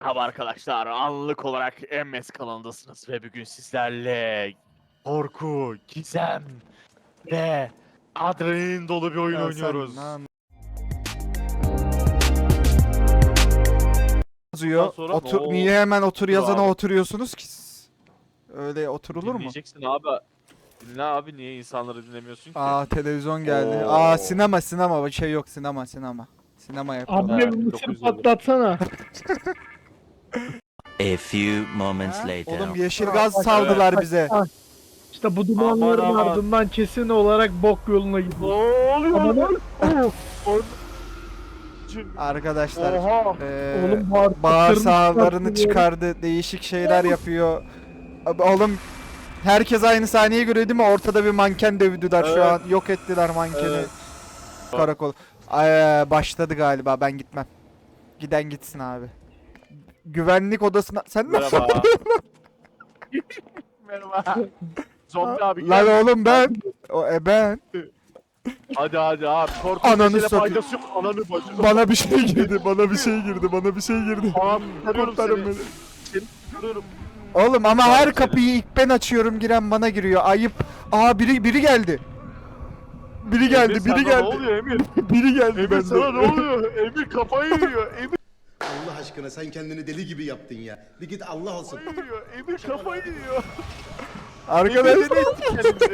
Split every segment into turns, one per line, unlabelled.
Merhaba arkadaşlar, anlık olarak MS kanalındasınız ve bugün sizlerle korku, gizem ve adrenalin dolu bir oyun
Ya
oynuyoruz.
sen
Bundan
yazıyor.
sonra
Otur,
ne
niye hemen otur
olur
yazana
abi?
oturuyorsunuz ki siz? Öyle oturulur mu?
Dinleyeceksin abi. Dinle abi, niye insanları dinlemiyorsun ki?
Televizyon geldi.
Oo.
Sinema bir şey yok, sinema. Sinema yapıyorlar.
Abi
Ha,
bir mısır
1950.
patlatsana.
A few moments
Ha?
later.
Oğlum yeşil gaz saldılar bize.
İşte bu dumanların
Aman.
ardından kesin olarak bok yoluna
Ne
gidiyor.
oluyor
Ama
lan?
Arkadaşlar
Oha.
Oğlum
bağırsağlarını çıkardı. Değişik şeyler yapıyor. Oğlum herkes aynı saniye görüyor değil mi? Ortada bir manken dövdüler şu
Evet.
an. Yok ettiler mankeni.
Evet.
Karakol. Başladı galiba. Ben gitmem. Giden gitsin abi. Güvenlik odasına... Sen ne?
Merhaba. Merhaba. Zombi abi
Lan
gel.
oğlum ben. Ben.
Hadi abi. Korkunç
Ananı
mesele
satayım.
faydası yok. Ananı bacını.
Bana bir şey girdi. Bana bir şey girdi.
Tamam, kurtarıyorum
Kurtarın
seni.
beni.
Seni kurtarıyorum.
Oğlum ama
Kurtarın
her
seni.
kapıyı ilk ben açıyorum, giren bana giriyor. Ayıp. Biri geldi. Biri geldi,
Emir,
biri
sana
geldi.
Ne oluyor Emir?
Biri geldi
Emir
bende.
sana ne oluyor? Emir kafayı yiyor. Emir
Allah aşkına sen kendini deli gibi yaptın ya. Bir git Allah olsun.
kafayı yiyor. Emir kafayı yiyor.
Arkadaşlar.
Emir deli etti kendini.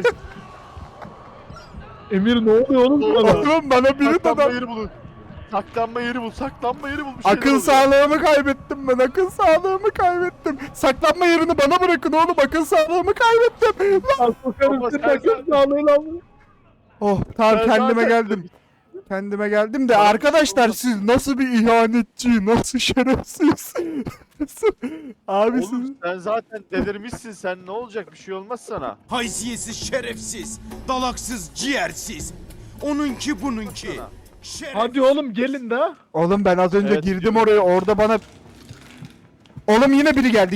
Emir ne oluyor oğlum sana?
Oğlum bana biri
Saklanma
de
yeri bulun. Saklanma yeri bul. Saklanma yeri bul. Bir şeyler
akıl
oluyor.
sağlığımı kaybettim ben. Akıl sağlığımı kaybettim. Saklanma yerini bana bırakın oğlum. Akıl sağlığımı kaybettim.
Al sokarım
Baba,
seni
sen
akıl sağlığıyla.
Oh tamam,
Ben
kendime
zaten-
geldim. Kendime geldim de
Bana bir şey
arkadaşlar
olmaz.
siz nasıl bir ihanetçi, nasıl şerefsiz. Abi siz...
Oğlum sen zaten delirmişsin. Sen ne olacak? Bir şey olmaz sana.
Haysiyetsiz, şerefsiz, dalaksız, ciğersiz. Onunki bununki.
Sana.
Şeref...
Hadi oğlum gelin de.
Oğlum ben az önce
Evet,
girdim
diyorum.
oraya, orada bana... Oğlum yine biri geldi.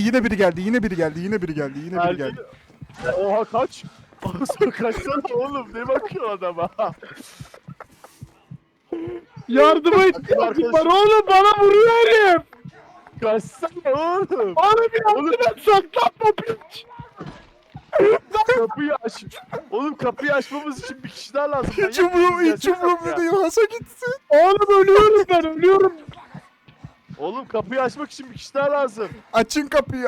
Geldi. Oha kaç. Kaçsana oğlum. Ne bakıyor adama?
Yardıma ihtiyacım var oğlum, bana vuruyor herif.
Kaçsana oğlum.
Bana bir yardım et, saklanma piç.
Kapıyı aç. Oğlum kapıyı açmamız için bir kişi daha lazım.
Hiç umurumda değil. Hasa gitsin.
Oğlum ölüyorum ben, ölüyorum.
Oğlum kapıyı açmak için bir kişi daha lazım.
Açın kapıyı.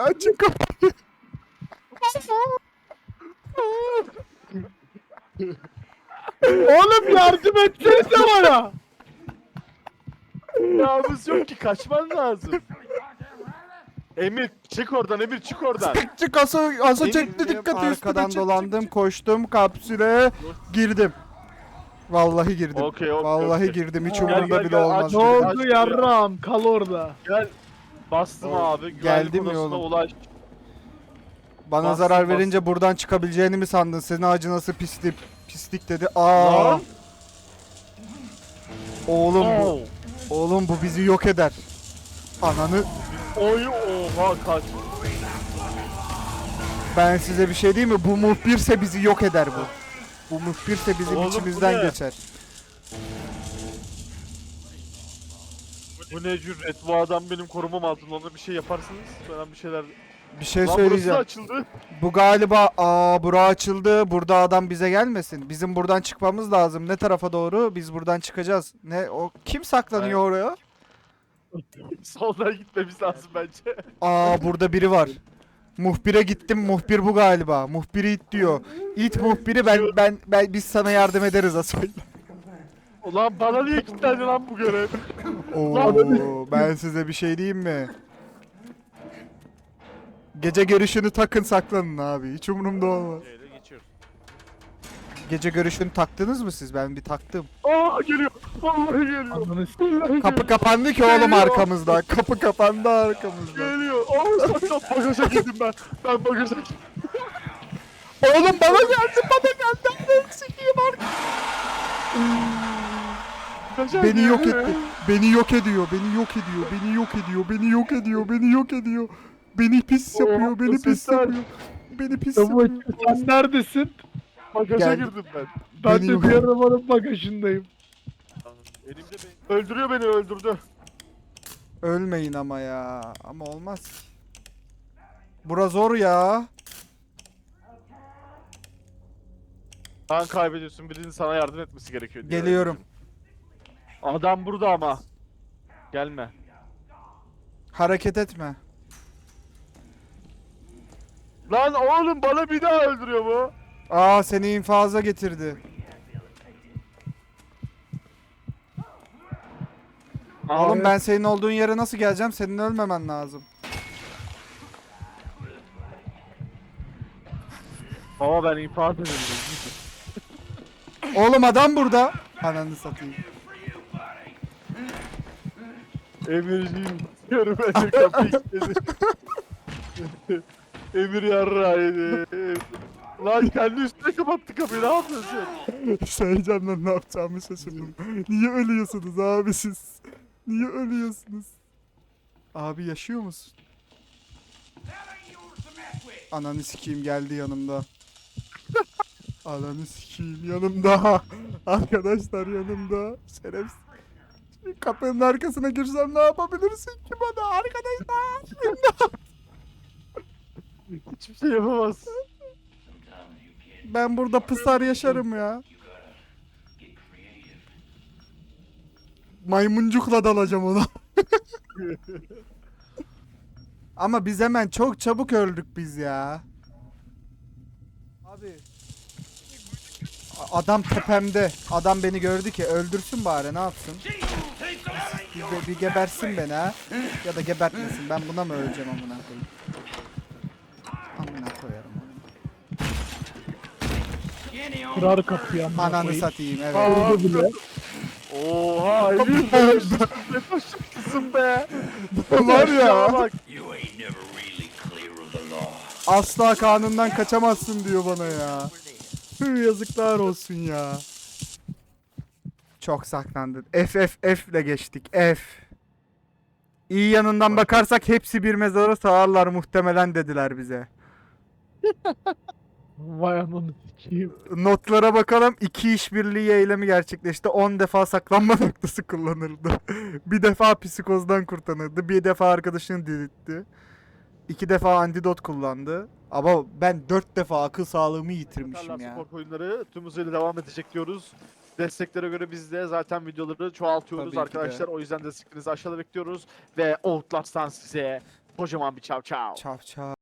Oğlum yardım etsenize bana.
Yağımız yok ki, kaçman lazım. Emir çık oradan, Emir çık oradan.
Çık Hasa çekti
Benim
dikkati üstüme. Arkadan
çık,
dolandım,
çık.
koştum kapsüle, girdim. Vallahi girdim.
Okey,
Vallahi
okey.
girdim. Hiç
Gel,
umurumda
gel,
bile
gel,
olmaz.
aç.
Ne oldu yarram, kal orada.
Gel. Bastım abi. Güvenlik
Geldi mi
odasına
oğlum?
ulaş.
Bana
Bastım,
zarar verince buradan çıkabileceğini mi sandın? Senin acınası pislik dedi.
Lan.
Oğlum bu.
Oo.
Oğlum bu bizi yok eder. Ananı,
Oy oha kaç.
ben size bir şey diyeyim mi? Bu muhbirse bizi yok eder bu. Bu muhbirse bizim
Oğlum bu
içimizden
ne?
geçer.
Bu ne cüret? Bu adam benim korumam altında. Ona bir şey yaparsınız. Ben bir şeyler...
Bir şey
Lan burası da
söyleyeceğim.
açıldı.
Bu galiba bura açıldı. Burada adam bize gelmesin. Bizim buradan çıkmamız lazım. Ne tarafa doğru? Biz buradan çıkacağız. Ne o, kim saklanıyor oraya?
Soldan gitmemiz lazım bence.
Burada biri var. Muhbire gittim. Muhbir bu galiba. Muhbiri it diyor. İt muhbiri, ben biz sana yardım ederiz Asoy.
Ulan bana niye kilitlendi lan bu görev?
Oo, ben size bir şey diyeyim mi? Gece görüşünü takın, saklanın abi. Hiç umurumda olmaz.
Geçiyoruz.
Gece görüşünü taktınız mı siz? Ben bir taktım.
Aa geliyor. Vallahi geliyor.
Ananı s***.
Kapı kapandı ki oğlum
Geliyor.
arkamızda. Kapı kapandı arkamızda.
Geliyor. Aa saklan, bagaja girdim ben. Ben bagaja girdim.
Oğlum bana geldi. Ananı sikeyim artık.
Bagaja
Beni yok
girdim.
etti. Beni yok ediyor. Beni pis yapıyor. Beni pis
sesler.
yapıyor. Beni pis
Tabu
yapıyor.
sen neredesin?
Bagaja
Geldim.
girdim ben.
Ben
Beni
de
yok-
bir arabanın bagajındayım.
Elimde beni. Öldürüyor beni, öldürdü.
Ölmeyin ama ya. Ama olmaz ki. Bura zor ya.
Kan kaybediyorsun. Birinin sana yardım etmesi gerekiyor. diyor.
Geliyorum.
Adam burada ama. Gelme.
Hareket etme.
Lan oğlum bana bir daha öldürüyor bu.
Aa seni infaza getirdi. Oğlum ben senin olduğun yere nasıl geleceğim? Senin ölmemen lazım.
Baba ben infaz edildim.
Oğlum adam burada. Ananı satayım.
Emirciğim diyorum Emir kapıyı kilitledi. Emir yarrağı yedi. Lan kendi üstüne kapattı kapıyı, ne yapıyorsun?
Heyecanla ne yapacağımı şaşırdım. Niye ölüyorsunuz abi siz? Niye ölüyorsunuz? Abi yaşıyor musun? Ananı sikeyim geldi yanımda. Ananı sikeyim yanımda. Arkadaşlar yanımda. Şerefsiz. Şimdi kapının arkasına girsem ne yapabilirsin ki bana arkadaşlar?
Hiçbir şey yapamaz.
Ben burada pısar yaşarım ya. Maymuncukla dalacağım ona. Ama biz hemen çok çabuk öldük biz ya. Abi. Adam tepemde. Adam beni gördü ki öldürsün bari ne yapsın? Bir gebersin beni ha. Ya da gebertmesin. Ben buna mı öleceğim amına koyayım? Amına koyarım onu.
Kırar kapıyı amına
Ananı
koyayım.
satayım evet.
Vurdu bile.
Oha Emir ne başlıksın be.
Var ya.
Bak.
Asla kanundan kaçamazsın diyor bana ya. Tüh, yazıklar olsun ya. Çok saklandın. F ile geçtik. F. İyi yanından bakarsak hepsi bir mezara sığarlar muhtemelen dediler bize.
Vay ananı sikeyim.
Notlara bakalım. 2 işbirliği eylemi gerçekleşti. 10 defa saklanma noktası kullanıldı. Bir defa psikozdan kurtarıldı. Bir defa arkadaşını diriltti. 2 defa antidot kullandı. Ama ben 4 defa akıl sağlığımı yitirmişim
Tarla
ya.
spor oyunları tüm hızıyla devam edecek diyoruz. Desteklere göre biz de zaten videoları çoğaltıyoruz
Tabii ki de.
arkadaşlar. O yüzden desteklerinizi aşağıda bekliyoruz. Ve Outlast'tan size kocaman bir çav çav.
Çav çav.